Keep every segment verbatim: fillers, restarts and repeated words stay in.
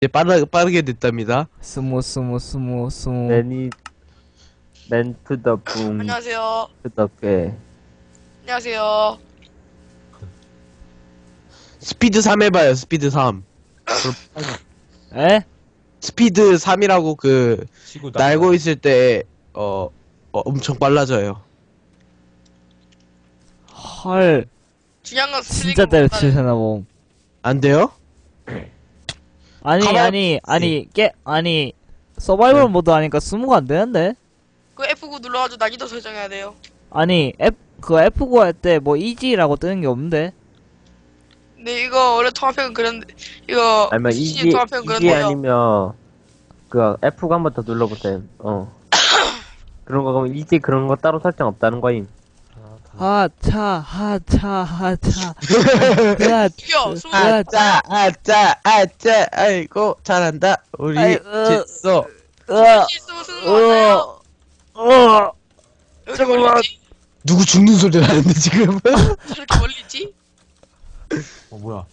이제 빠르, 빠르게 됐답니다. 스무 스무 스무 스무. 매니 맨 투 더 붐 안녕하세요. 투 더 꽤. 안녕하세요. 스피드 삼 해봐요, 스피드 삼. 에? 스피드 삼이라고 그, 치고 날고 있을 때, 어, 어, 엄청 빨라져요. 헐. 중요한 건 진짜 스플링 때려치우잖아 뭐. 안 돼요? 아니 가만- 아니 아니 깨 아니 서바이벌 모드 하니까 스무가 안 되는데? 그 에프 구 눌러가지고 난이도 설정해야 돼요. 아니 F 그 에프 구 할 때 뭐 이지라고 뜨는 게 없는데? 근데 이거 원래 통합형은 그런데 이거 아니면 씨씨 이지 통합형은 이지 그런데요. 아니면 그 에프 구 한 번 더 눌러보세요. 어. 그런 거 그러면 이지 그런 거 따로 설정 없다는 거임. 하차 하차 하차. 야, 이겨 스무 아, 아짜, 아짜, 아짜, 아이고, 잘한다. 우리, 아이, 어. 됐어. 으, 스무 스무 맞아요. 어, 어. 여기 잠깐만. 멀리 있지? 누구 죽는 소리 나는데, 지금? 저렇게 멀리 있지? 어 뭐야?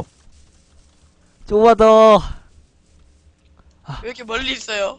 조금만 더. 왜 이렇게 멀리 있어요?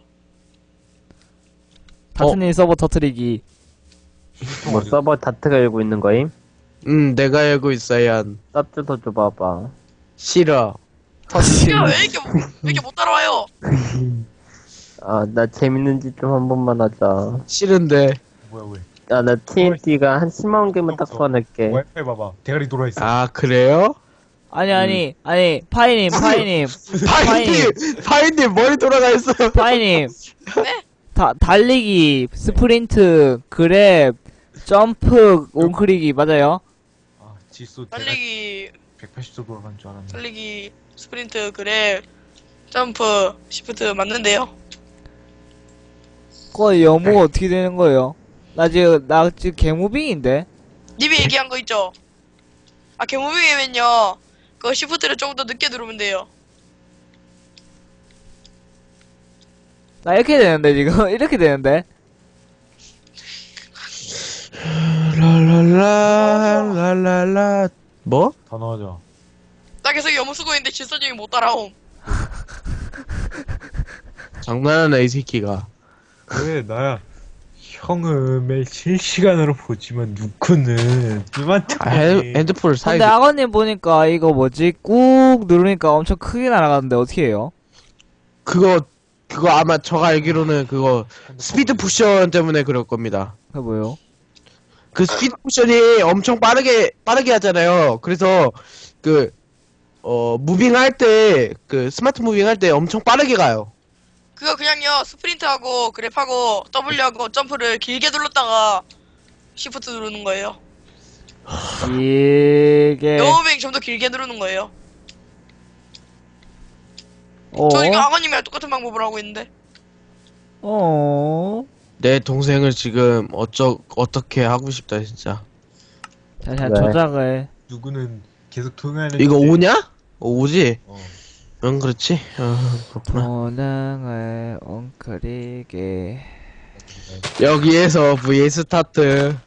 다트님 서버 터트리기. 뭐 서버 다트가 열고 있는 거임? 음, 내가 알고 있어야 한. 쌉 주소 줘봐봐. 싫어. 이거 왜 이렇게 못- 왜 이렇게 못 따라와요? 아, 나 재밌는 짓 좀 한 번만 하자. 싫은데. 뭐야 왜? 아, 나 티엔티가 한 십만 개만 딱 없어. 소환할게. 와이파이 봐봐. 대가리 돌아 있어. 아, 그래요? 아니 아니 아니 파이님 파이님 파인님, 파인님 머리 돌아가 있어요. 파이님. 네? 다 달리기 스프린트 그랩 점프 옹크리기 맞아요? 아 지수 대가리 달리기 백팔십 도 돌아간 줄 알았네. 달리기 스프린트 그랩 점프 시프트 맞는데요? 그거 영어가 어떻게 되는 거예요? 나 지금 나 지금 개무빙인데. 님이 얘기한 거 있죠? 아 개무빙이면요 그 시프트를 조금 더 늦게 누르면 돼요. 나 이렇게 되는데 지금 이렇게 되는데. 랄랄라, 뭐? 더 넣어줘. 나 계속 염무 쓰고 있는데 질서님이 못 따라옴. 장난하네, 이 새끼가. 왜 나야? 형은 매일 실시간으로 보지만 누쿠는 누구한테 아, 핸, 핸드폰을 사야 근데 돼. 아버님 보니까 이거 뭐지 꾹 누르니까 엄청 크게 날아가는데 어떻게 해요? 그거, 그거 아마 제가 알기로는 그거 스피드 쿠션 때문에 그럴 겁니다. 그게 뭐예요? 그 스피드 쿠션이 엄청 빠르게, 빠르게 하잖아요. 그래서 그, 어, 무빙 할 때, 그 스마트 무빙 할 때 엄청 빠르게 가요. 그거 그냥요 스프린트하고 그랩하고 W하고 점프를 길게 눌렀다가 시프트 누르는 거예요. 이게 영어빙 좀 더 길게 누르는 거예요. 어? 저 이거 아버님이랑 똑같은 방법을 하고 있는데. 어? 내 동생을 지금 어쩌, 어떻게 하고 싶다, 진짜. 자, 자 왜? 조작을. 누구는 계속 통화하는. 이거 오냐? 어, 오지? 어. 응, 그렇지. 어, 그렇구나. 도능을 엉크리게. 여기에서 브이 스타트.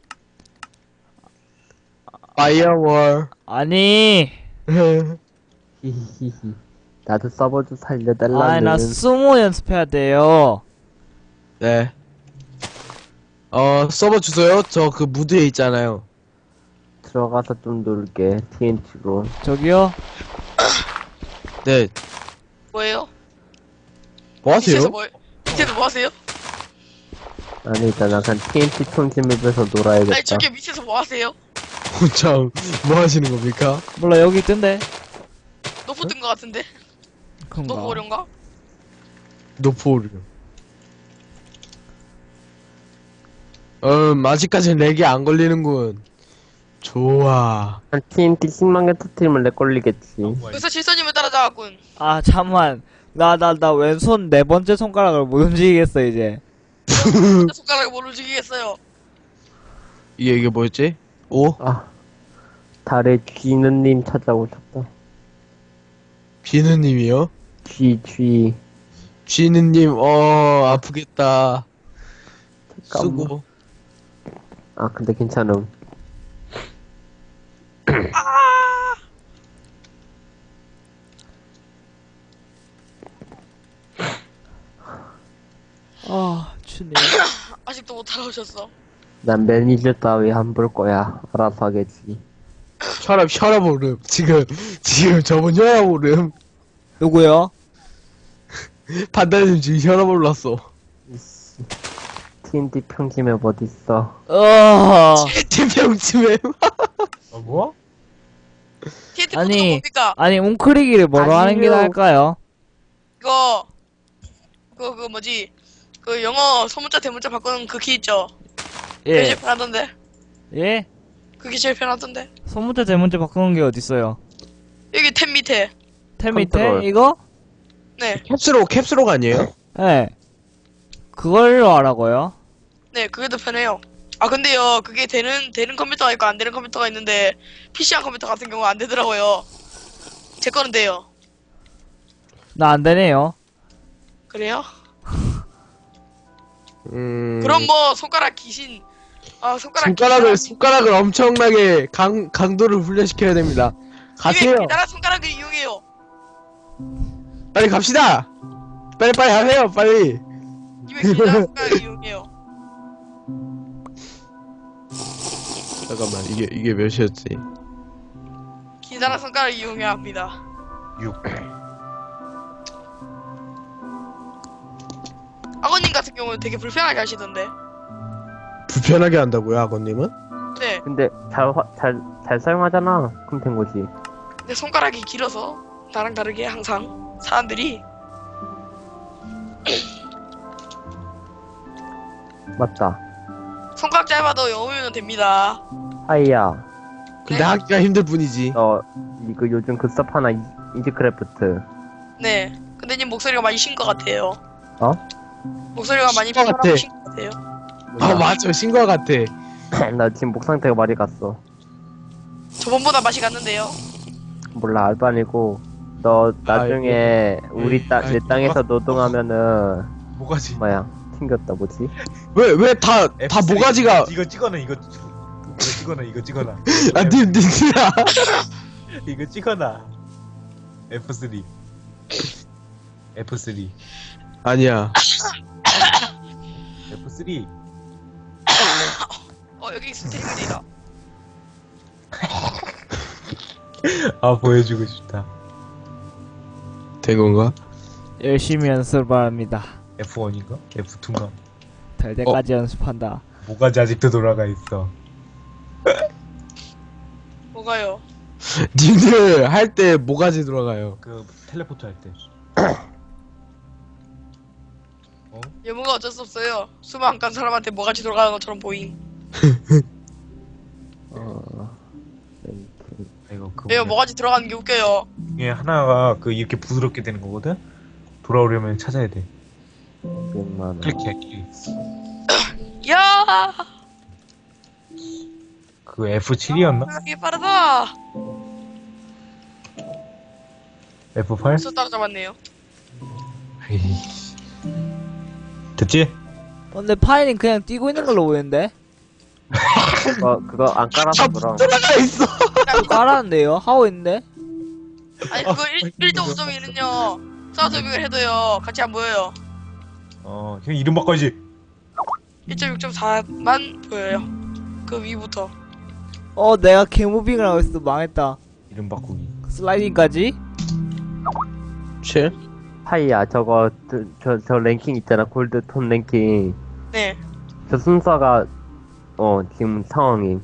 파이어월. 아니 히히히히. 나도 서버 좀 살려달라는. 아니 나 수모 연습해야 돼요. 네. 어, 서버 주소요? 저 그 무드에 있잖아요. 들어가서 좀 놀게. 티엔티로. 저기요? 네. 뭐예요? 뭐 하세요? 밑에서 뭐 밑에서 뭐 하세요? 아니, 일단 나 그냥 티엔티 총집에서 놀아야겠다. 아니 저기 밑에서 뭐 하세요? 참, 뭐 하시는 겁니까? 몰라 여기 있던데. 노프 뜬 거 같은데? 그런가? 노프 어려운가? 노포르. 음, 아직까지 렉이 안 걸리는군. 좋아. 한 티엔티 십만 개 터트리면 내 걸리겠지. 그래서 질서님을 따라잡았군. 아 잠만. 나 나 나 왼손 네 번째 손가락을 못 움직이겠어 이제. 손가락을 못 움직이겠어요. 이게, 이게 뭐였지? 오? 아, 달의 쥐는님 찾아오셨다. 비누님이요? 쥐, 쥐. 쥐누님, 어, 아프겠다. 잠깐만. 수고. 아, 근데 괜찮음. 추네. 아직도 못 알아오셨어. 난 매니저 따위 안 볼 거야. 알아서 하겠지. 혈압 혈압 오름. 지금 지금 저분 혈압 오름. 누구요? 판단님 지금 혈압 올랐어. 이씨. 티엔티 평지맵 어딨어? 어. 팀병치매. 어, 뭐? 티엔티 아니. 포트가 뭡니까? 아니 웅크리기를 뭐로 하는 게 아니요. 나을까요? 이거 그거 그거 뭐지? 그 영어 소문자 대문자 바꾸는 그 키 있죠? 그게 예. 제일 편하던데. 예? 그게 제일 편하던데. 소문자 대문자 바꾸는 게 어딨어요? 여기 탭 밑에. 탭 밑에 컨트롤. 이거? 네, 캡슐록 캡슐록 아니에요? 예. 그걸로 하라고요? 네, 그게 더 편해요. 아 근데요, 그게 되는 되는 컴퓨터가 있고 안 되는 컴퓨터가 있는데 피씨한 컴퓨터 같은 경우 안 되더라고요. 제 거는 돼요. 나 안 되네요. 그래요? 음. 그럼 뭐 손가락 귀신. 아 손가락 손가락을 귀신. 손가락을 엄청나게 강 강도를 훈련시켜야 됩니다. 가세요. 이게 기다란 손가락을 이용해요. 빨리 갑시다. 빨리 빨리 하세요. 빨리. 이게 기다란 손가락을 이용해요. 잠깐만 이게 이게 몇이었지? 기다란 손가락을 이용해야 합니다. 육. 아버님 같은 경우는 되게 불편하게 하시던데. 불편하게 한다고요, 아버님은? 네, 근데 잘, 화- 잘, 잘 사용하잖아. 그럼 된 거지. 근데 손가락이 길어서 나랑 다르게 항상 사람들이 맞다. 손가락 짧아도 영어면 됩니다. 하이야. 근데 하기가 힘들 뿐이지. 너, 이거 요즘 급습 하나, 이- 이지크래프트. 네. 근데 님 목소리가 많이 쉰 것 같아요. 어? 목소리가 많이 쉰것 같아. 쉰것 같아요. 아 맞아, 신과 같아. 나 지금 목 상태가 많이 갔어. 저번보다 맛이 갔는데요. 몰라, 알바니고. 너 나중에 우리 에이, 땅, 아이, 내 땅에서 누가- 노동하면은, 뭐가지? 뭐야, 튕겼다, 뭐지? 왜 왜 다 다 에프 쓰리. 모가지가 이거 찍어놔 이거 이거 찍어놔 이거 찍어놔 아님 님들아. 이거 찍어놔 에프 쓰리 에프 쓰리 아니야. 에프 쓰리 어 여기 스트리밍이다. 아 보여주고 싶다 된 건가? 열심히 연습을 바랍니다. 에프 원인가? 에프 투인가? 될 때까지 연습한다. 뭐가지 아직도 돌아가 있어 뭐가요? 님들 할 때 모가지 돌아가요. 그 텔레포트 할때 예무가 어쩔 수 없어요. 수만 한 간 사람한테 뭐가지 돌아가는 것처럼 보임. 어, 이거 그 왜요? 뭐냐. 뭐가지 들어가는 게 웃겨요. 이게 하나가 그 이렇게 부드럽게 되는 거거든? 돌아오려면 찾아야 돼 백만 원. 클릭해 클릭 야, 그 에프 칠이었나? 이게 빠르다. 에프 팔? 벌써 따라잡았네요. 에이씨. 됐지? 어, 근데 파이는 그냥 뛰고 있는 걸로 보이는데? 그거, 그거 안 깔아서 그럼. 돌아가 있어. 깔았는데요? 하고 있는데? 아니 그거 일 점 오 점이는요. 사우드빅을 해도요 같이 안 보여요. 어 그냥 이름 바꿔야지 일 점 육 점 사만 보여요. 그 위부터. 어 내가 개무빙을 하고 있어. 망했다. 이름 바꾸기 슬라이딩까지? 칠? 하이야, 저거, 저, 저, 저 랭킹 있잖아. 골드톤 랭킹. 네. 저 순서가, 어, 지금 상황이.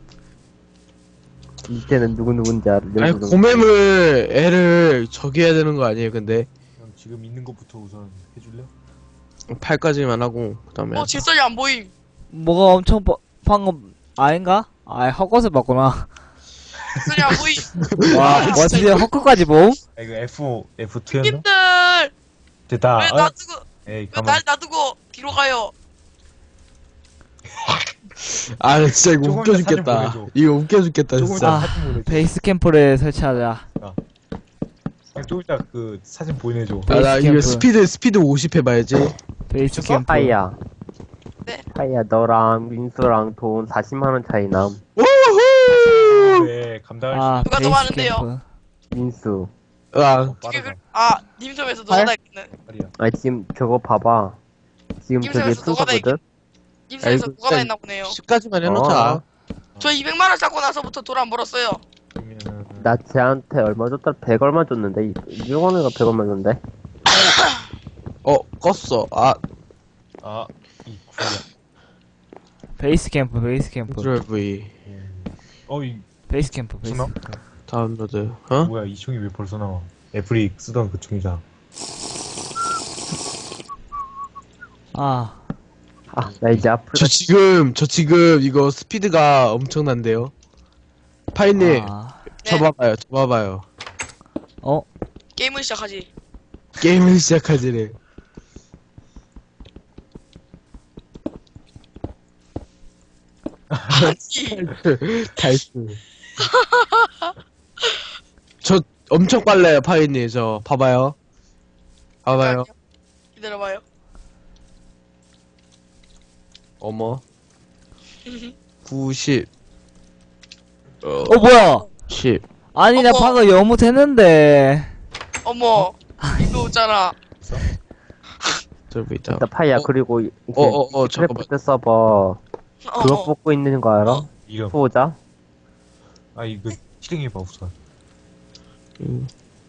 이때는 누구누군지 알아. 아니 고매물 애를 저기 해야 되는 거 아니에요? 근데 그럼 지금 있는 것부터 우선 해줄래? 팔까지만 하고 그다음에 어 질서이 안 보임. 뭐가 엄청 빠, 방금 아닌가? 아 헛것을 봤구나. 질서이 안 보임. 와, 와 진짜 헛것까지 봄? 아 이거 F 에프 투였나? 님들 됐다 왜 아, 놔두고 에이 왜 가만 날 놔두고 뒤로 가요? 아 진짜 이거 조금 웃겨 더 사진 죽겠다. 보내줘. 이거 웃겨 죽겠다 조금 진짜. 이따 아, 사진 보내줘 베이스 캠프를 설치하자. 그냥 조금 이따 그 사진 보내줘 아, 나 베이스 이거 캠프. 스피드 스피드 오십 해봐야지. 베이스 미쳤어? 캠프. 하이야. 네. 하이야, 너랑 민수랑 돈 사십만 원 차이 남. 우후. 네 감당할 아, 누가 더 베이스 많은데요? 캠프. 민수. 아 수 있어 이게 그, 빠르다 아 님섬에서 누가 알? 다 있네. 빨리야 아, 지금 저거 봐봐. 지금 저기 임상에서 너가 다 순서거든? 임상에서 아이고, 누가 다 일단 했나 보네요. 십까지만 해놓자. 어. 저 이백만 원 쌓고 나서부터 돈 안 벌었어요. 그러면은 나 쟤한테 얼마 줬다? 백 얼마 줬는데? 이용원이가 백 얼마 줬는데? 어, 껐어. 아, 아이 구야. 베이스 캠프 베이스 캠프 컨트롤 V. 어이 베이스 캠프 베이스 수나? 다운로드. 어? 뭐야 이 총이 왜 벌써 나와? 애플이 쓰던 그 총이잖아. 아 아, 나 이제 앞으로 저 지금, 저 지금 이거 스피드가 엄청난데요? 파이님, 아. 저 봐봐요, 저 봐봐요. 어? 게임을 시작하지. 게임을 시작하지래. 아니. 달스. 저 엄청 빨라요, 파이님. 저 봐봐요. 봐봐요. 기다려봐요. 어머. 구십. 어, 어 뭐야 십. 아니 나 어머. 방금 영무했는데 어머, 이거 있잖아. 저 보이다. 일단 파이야. 어? 그리고 이제 어, 어, 어, 잠깐만. 크래프트 서버 어, 그거 어. 뽑고 있는 거 알아? 이름. 수호자? 아 이거 실행해봐 우선. 음.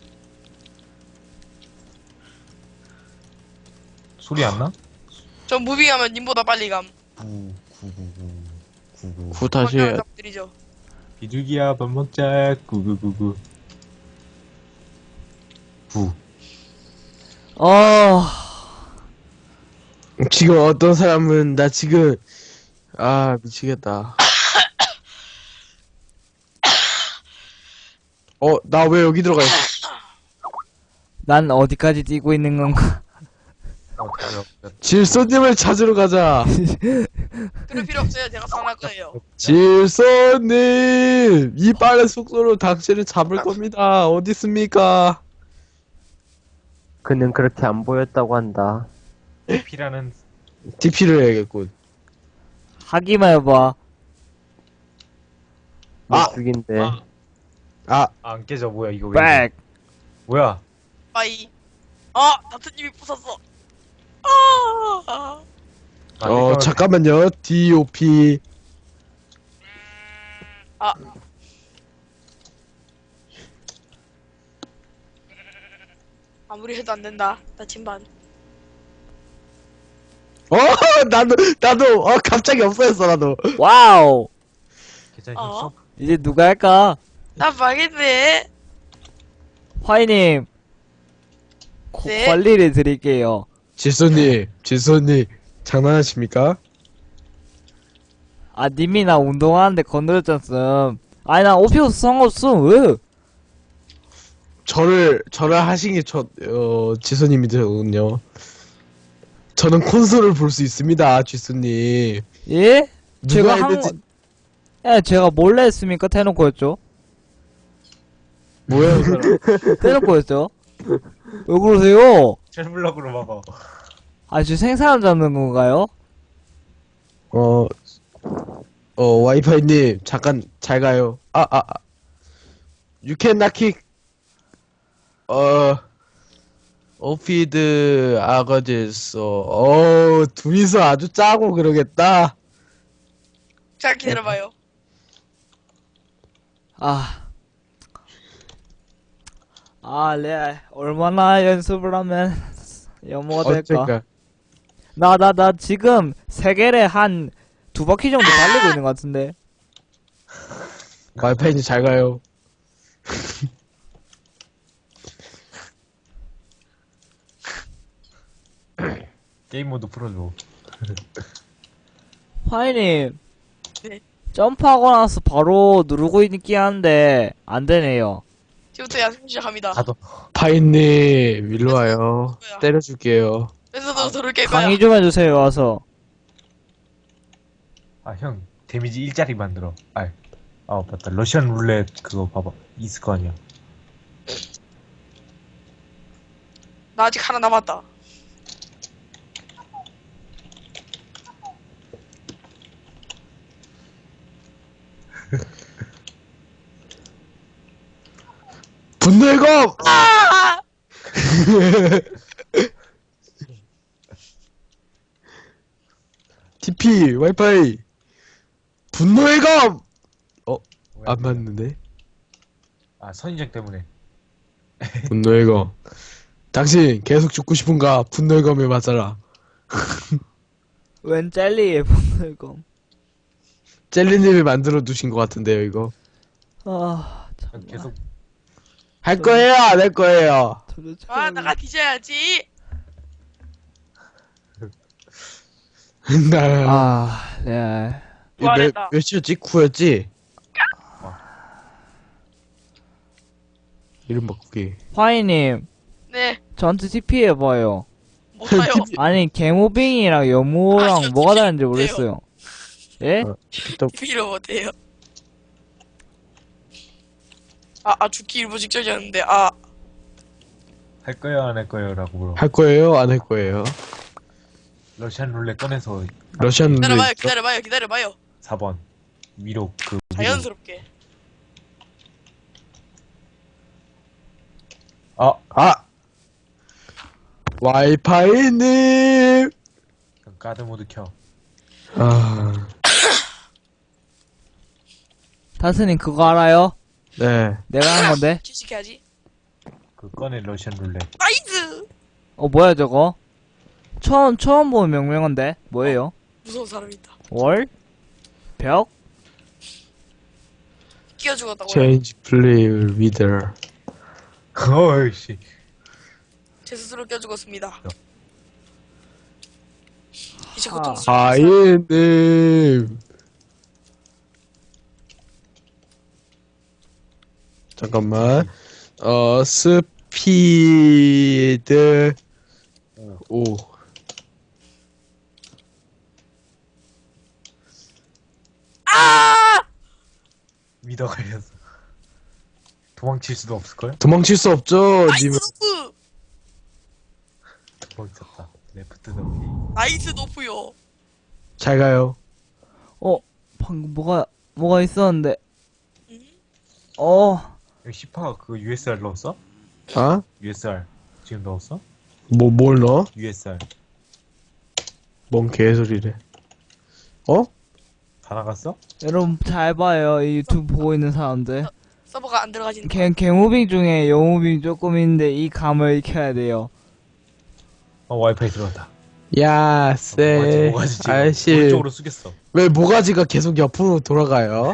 소리 안 나? 저 무빙하면 님보다 빨리 감. 구 구구구 구구. 구 다시 해. 드리죠. 비둘기야 밥 먹자. 구구구구. 구. 어 지금 어떤 사람은 나 지금 아 미치겠다. 어, 나 왜 여기 들어가 있어? 난 어디까지 뛰고 있는 건가 어, 달려. 질소님을 찾으러 가자. 그럴 필요 없어요. 제가 선할 거예요. 질소님, 이 빠른 속도로 당신을 잡을 겁니다. 어디 있습니까? 그는 그렇게 안 보였다고 한다. 피라는 디피를 해야겠군. 하기만 해봐 너 아! 죽인데. 아. 아, 안 깨져. 뭐야 이거 왜? 이래? 백 뭐야? 빠이. 아, 다트님이 부쉈어. 아, 아, 어, 잠깐만. 잠깐만요. 디오피. 아. 아무리 해도 안 된다. 나침반. 어, 나도, 나도, 어, 갑자기 없어졌어, 나도. 와우 괜찮으셨어? 어? 이제 누가 할까 나 망했네. 화이님 고- 네? 관리를 드릴게요 질소님, 질소님, 장난하십니까? 아 님이 나 운동하는데 건드렸잖음 아니 나 오피스 상관없음 왜 저를, 저를 하신 게 저, 어, 질소님이더군요. 저는 콘솔을 볼 수 있습니다, 질소님. 예? 누가 제가 한 했는지, 거- 예, 제가 몰래 했습니까? 대놓고 했죠? 뭐야, 이 사람. 대놓고 했죠? 왜 그러세요? 첼블럭으로 막아. 아, 지금 생사람 잡는 건가요? 어, 어, 와이파이님, 잠깐, 잘 가요. 아, 아, 아. 유캔 나킥, 어, 오피드 아거지스, 어, 둘이서 아주 짜고 그러겠다. 잘 기다려봐요. 아. 아, 레알. 얼마나 연습을 하면 영어가 될까? 어쩔까. 나, 나, 나 지금 세계를 한 두 바퀴 정도 달리고 있는 것 같은데. 와이파이님 잘 가요. 게임 모드 풀어줘. 화이님. 네. 점프하고 나서 바로 누르고 있기 한데, 안 되네요. 지금부터 야생 시작합니다. 가도. 파이님, 일로 와요. 뭐야? 때려줄게요. 그래서도 돌을 깰 거야. 강의 좀 해주세요, 와서. 아 형 데미지 일자리 만들어. 아, 아 맞다. 러시안 룰렛 그거 봐봐. 있을 거 아니야. 나 아직 하나 남았다. 분노의 검! 아! 티피, 와이파이. 분노의 검! 왜 안 맞는데? 아, 선인장 때문에. 분노의 검. 당신 계속 죽고 싶은가? 분노의 검에 맞아라. 웬 젤리의 분노의 검. 젤리님이 만들어 두신 것 같은데요, 이거. 아, 전 정말. 계속 할 거예요, 안 할 거예요? 도대체 아 나가 뒤져야지. 나, 아, 네. 몇, 부활했다. 몇이었지? 구였지? 이름 바꾸기. 화이님, 네 저한테 티피 해봐요. 못해요. 아니, 개모빙이랑 여모랑 아니요, 뭐가 티피 다른지 못해요. 모르겠어요. 예? 어. 또, 필요 못해요. 아, 아 죽기 일부 직전이었는데 아 할 거예요, 안 할 거예요라고 물어. 할 거예요, 안 할 거예요? 러시안 룰렛 꺼내서 러시안 룰렛 기다려봐요 있어? 기다려봐요 기다려봐요. 사 번 위로 그 위로. 자연스럽게. 아, 아! 와이파이님! 가드 모드 켜. 아, 다스님 그거 알아요? 네. 내가 한 건데? 캐시해야지. 그 꺼내 러시안 룰렛. 나이스. 어, 뭐야 저거? 처음, 처음 보는 명명한데? 뭐예요? 무서운 사람 있다. 월? 벽? 끼어 죽었다고요. Change play leader. 어이씨. 제 스스로 끼어 죽었습니다. 이제 아. 고통 하이님! 잠깐만. 어, 스피드 오. 아! 미더 걸렸어. 도망칠 수도 없을걸? 도망칠 수 없죠, 나이스 님은. 노프. 도망쳤다. 레프트 더피. 나이스 노프요. 잘 가요. 어, 방금 뭐가, 뭐가 있었는데. 음? 어, 여기 시파 그거 유에스알 넣었어? 아? 유에스알 지금 넣었어? 뭐, 뭘 넣어? 유에스알 뭔 개소리래. 어? 다 나갔어? 여러분 잘 봐요. 이 유튜브 보고 있는 사람들. 서버가 안 들어가지는. 개, 개무빙 중에 여무빙 조금 있는데 이 감을 익혀야 돼요. 어 와이파이 들어갔다. 야, 모가지 쎄. 모가지 지금 아저씨. 오른쪽으로 숙였어. 왜 모가지가 계속 옆으로 돌아가요?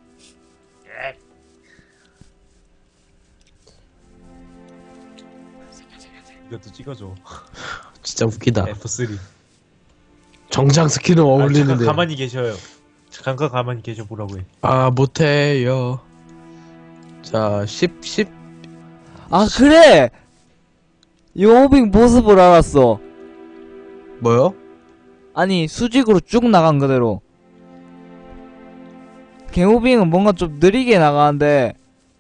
이것도 찍어줘. 진짜 웃기다. 에프 쓰리. 정장 스킨은 아, 잠깐 어울리는데. 가만히 계셔요. 잠깐 가만히 계셔 보라고 해. 아, 못해요. 자, 십, 십. 아, 그래! 여무빙 모습을 알았어. 뭐요? 아니, 수직으로 쭉 나간 그대로. 개무빙은 뭔가 좀 느리게 나가는데,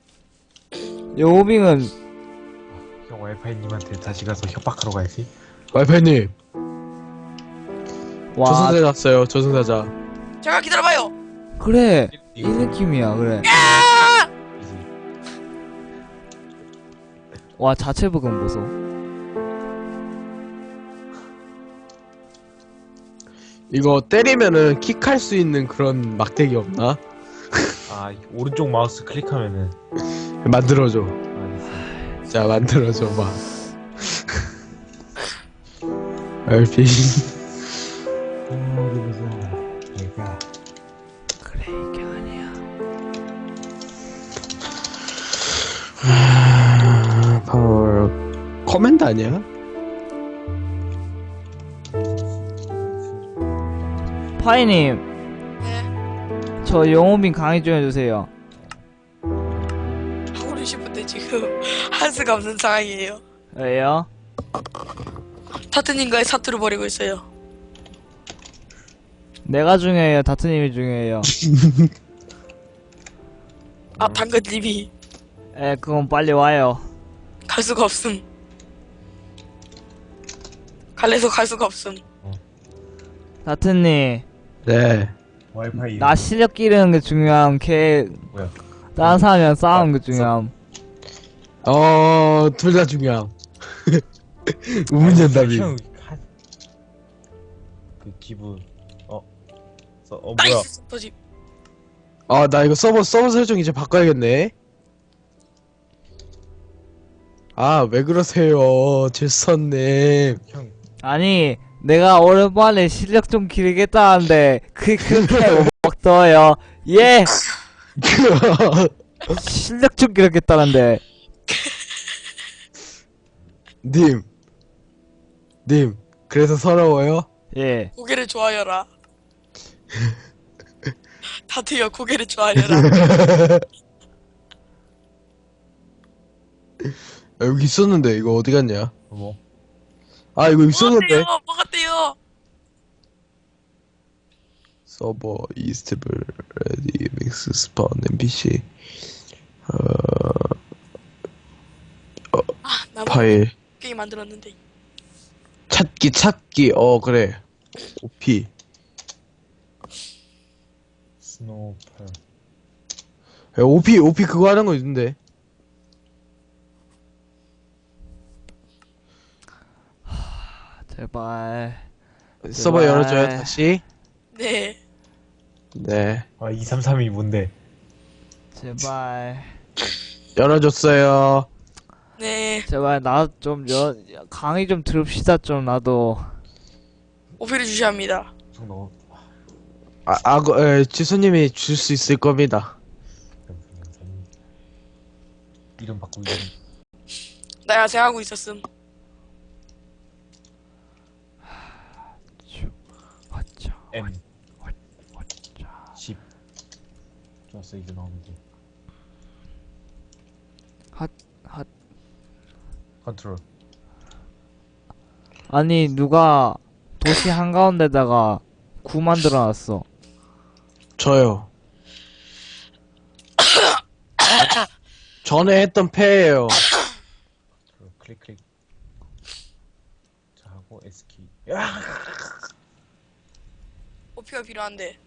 여무빙은, 형 와이파이님한테 다시 가서 협박하러 가야지. 와이파이님, 와, 저승사자 왔어요, 저승사자. 잠깐 기다려봐요. 그래. 이 이거 느낌이야, 그래. 이지. 와, 자체 부금 보소. 이거 때리면은 킥할 수 있는 그런 막대기 없나? 아 오른쪽 마우스 클릭하면은 만들어줘. 아 됐어. 자, 만들어줘 봐. 알피. 얘가 그래, 이게 아니야. 파워 커맨드 아니야? 파이님, 네. 저 영호빙 강의 좀 해주세요. 하고 싶은데 지금 할 수가 없는 상황이에요. 왜요? 타트님과의 사투를 벌이고 있어요. 내가 중요해요, 다트님이 중요해요. 아 당근님이 에, 그건 빨리 와요. 갈 수가 없음. 갈래서 갈 수가 없음. 다트님, 네. 와이파이 나 실력 기르는 게 중요함, 걔, 뭐야? 다른 사람이랑 싸우는 게 중요함. 어, 둘 다 중요함. 우문연답이. 형, 한- 그 기분 어 서, 어 뭐야? 나이스 터집. 아, 나 이거 서버, 서버 설정 이제 바꿔야겠네. 아, 왜 그러세요, 질선님. 형 아니 내가 오랜만에 실력 좀 기르겠다는데 그게 그렇게 못 먹더요. 예 실력 좀 기르겠다는데. 님. 님, 그래서 서러워요? 예 고개를 좋아해라. 다트여 고개를 좋아해라. 아, 여기 있었는데, 이거 어디 갔냐? 뭐? 아, 이거 있었는데. 먹었대요. 먹었대요. 서버 이스트블 레디 믹스 스폰 엠피씨 아, 나 파일 게임 만들었는데. 찾기 찾기 어 그래 오피 스노우팔. 야, 오피 오피 그거 하는 거 있는데 제발 서버 제발. 열어줘요 다시. 네. 네, 아 이삼삼이 뭔데? 제발 열어줬어요. 네. 제발 나 좀 강의 좀 들읍시다 좀 나도. 오피를 주셔야 합니다. 형 너. 아, 아, 그, 에, 지수님이 줄 수 있을 겁니다. 이름 바꾸기 전. 나 야생하고 있었음. 어쩌 M 어쩌 십. 좋았어 이제 나오면 돼. 핫, 핫. 컨트롤. 아니 누가 도시 한가운데다가 구 만들어놨어. 저요. 전에 했던 패예요. 컨트롤 클릭 클릭. 자 하고 S키. 야! 오피가 필요한데.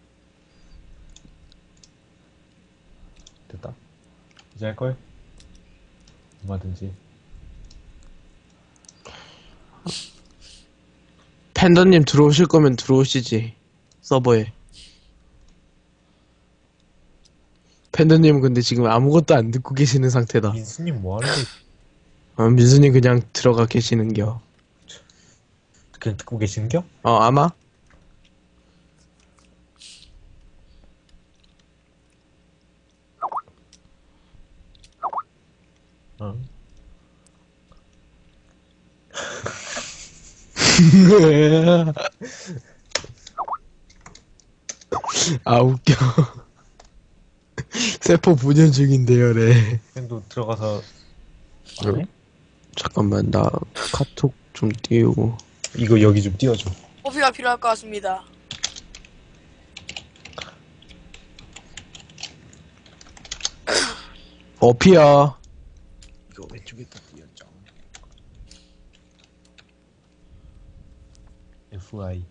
됐다. 이제 할 걸? 얼마든지. 팬더님 들어오실 거면 들어오시지 서버에. 팬더님은 근데 지금 아무것도 안 듣고 계시는 상태다. 민수님 뭐 하는 거? 어, 민수님 그냥 들어가 계시는겨. 그냥 듣고 계시는겨? 어 아마. 응. 아 웃겨. 세포 분열 중인데요래. 형도 들어가서. 안 해? 잠깐만 나 카톡 좀 띄우고. 이거 여기 좀 띄워줘. 오피가 필요할 것 같습니다. 어피야. 이거 왼쪽에다 띄워줘. 에프아이.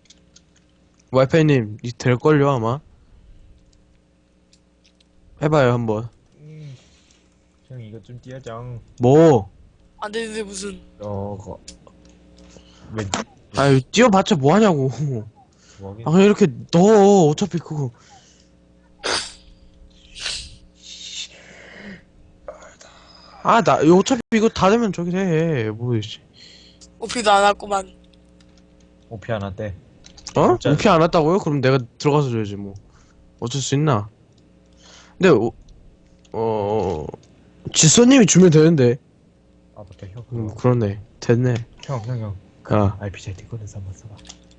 와이파이님 이 될걸요 아마. 해봐요 한번. 형 이거 좀 띄워줘. 뭐? 안 되는데 무슨. 어, 거. 왼, 아유 띄워봤자 뭐하냐고. 뭐하긴. 아 그냥 이렇게 넣어 어차피 그거. 아 나 어차피 이거 다 되면 저기 해. 뭐 씨. 오피도 안 왔구만. 오피 하나 떼. 어? 진짜. 오피 안 왔다고요? 그럼 내가 들어가서 줘야지 뭐. 어쩔 수 있나? 근데 어, 어 지소님이 주면 되는데. 아, 맞다, 형. 음 그거. 그러네. 됐네. 형, 형, 형. 아, 알피지 티콘에서 한번 써봐.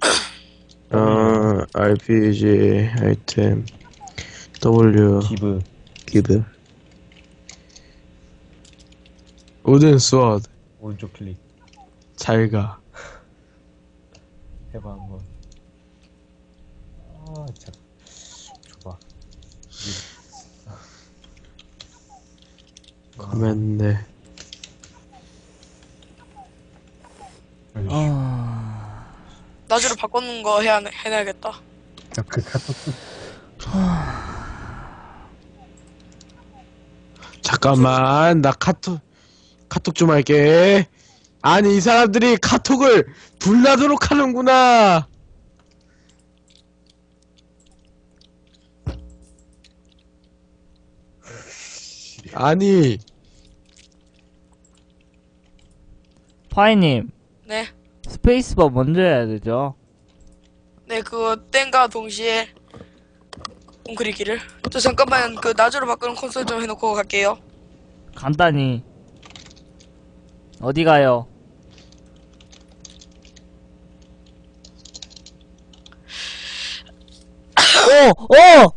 어 알피지 아이템 W 기브. 기브 우든 스워드 오른쪽 클릭. 잘가. 해봐, 한번. 아, 참. 줘봐. 커맨드. 아 나주를 바꿔놓은 거 해야, 해놔야겠다. 그 카톡. 잠깐만 나 카톡 카톡 좀 할게. 아니 이 사람들이 카톡을 불나도록 하는구나. 아니 파이님, 네. 스페이스바 먼저 해야 되죠? 네, 그거 땡과 동시에 웅크리기를. 저 잠깐만 그 나주로 바꾸는 콘솔 좀 해놓고 갈게요. 간단히. 어디 가요? 오! 오!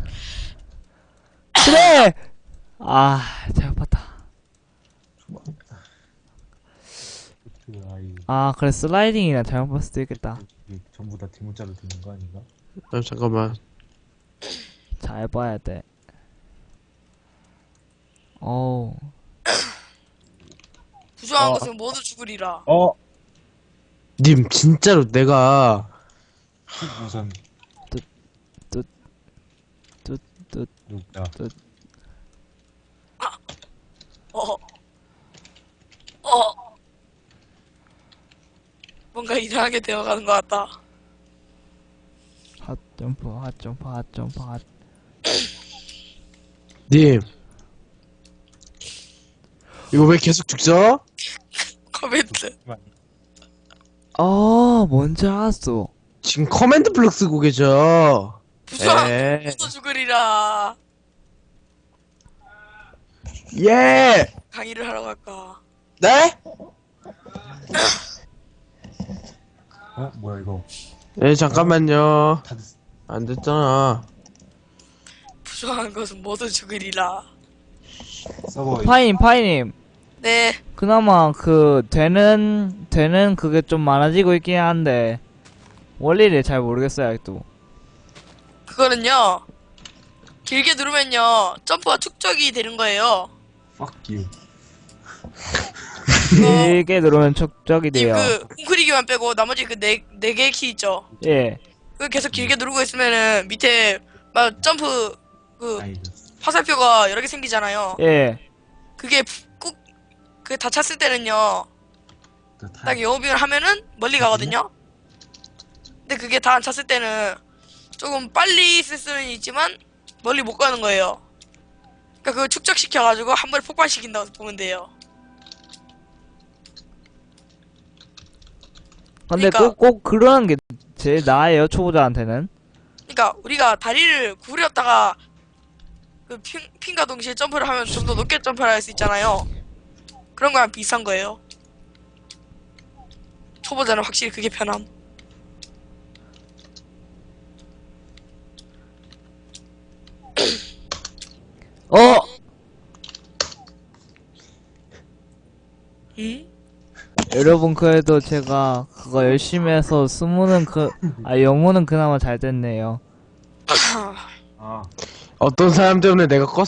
그래! 아, 잘못 봤다. 그 아이 아, 그래, 슬라이딩이나 잘못 봤을 수도 있겠다. 이게 전부 다 대문자로 듣는 거 아닌가? 아, 잠깐만 잘 봐야 돼. 어우. 부정한 어. 것은 모두 죽으리라. 어. 님 진짜로 내가 우선 뚜, 누구야? 어. 어. 뭔가 이상하게 되어가는 것 같다. 핫 점프, 핫 점프, 핫 점프, 핫. 님 이거 왜 계속 죽죠? 코멘트. 아, 뭔지 알았어. 지금 커맨드 블록 쓰고 계셔. 부정한 에. 모두 죽으리라. 예. 강의를 하러 갈까? 네? 어 뭐야 이거? 예 잠깐만요. 다들 안 됐잖아. 부정한 것은 모두 죽으리라. 서버 파이님, 파이님. 네. 그나마 그 되는 되는 그게 좀 많아지고 있긴 한데 원리를 잘 모르겠어요 아직도. 그거는요. 길게 누르면요. 점프가 축적이 되는 거예요. fuck you. 길게 누르면 촉적이 님 돼요. 그 웅크리기만 빼고 나머지 그 네 네 개의 키 있죠. 예. 그 계속 길게 누르고 있으면은 밑에 막 점프 그 아이고. 화살표가 여러 개 생기잖아요. 예. 그게 꾹 그 다 찼을 때는요. 또 타- 딱 영업을 하면은 멀리 가거든요. 근데 그게 다 안 찼을 때는 조금 빨리 쓸 수는 있지만 멀리 못 가는 거예요. 그러니까 그걸 축적시켜가지고 한 번에 폭발시킨다고 보면 돼요. 근데 그러니까- 꼭 꼭 그러는 게 제일 나아요 초보자한테는. 그러니까 우리가 다리를 구부렸다가 그 핀, 핀과 동시에 점프를 하면 좀 더 높게 점프를 할 수 있잖아요. 그런 거랑 비슷한 거예요. 초보자는 확실히 그게 편함. 어. 응? 여러분 그래도 제가 그거 열심히 해서 스무는 그 아 영문은 그나마 잘 됐네요. 아 어떤 사람 때문에 내가 껐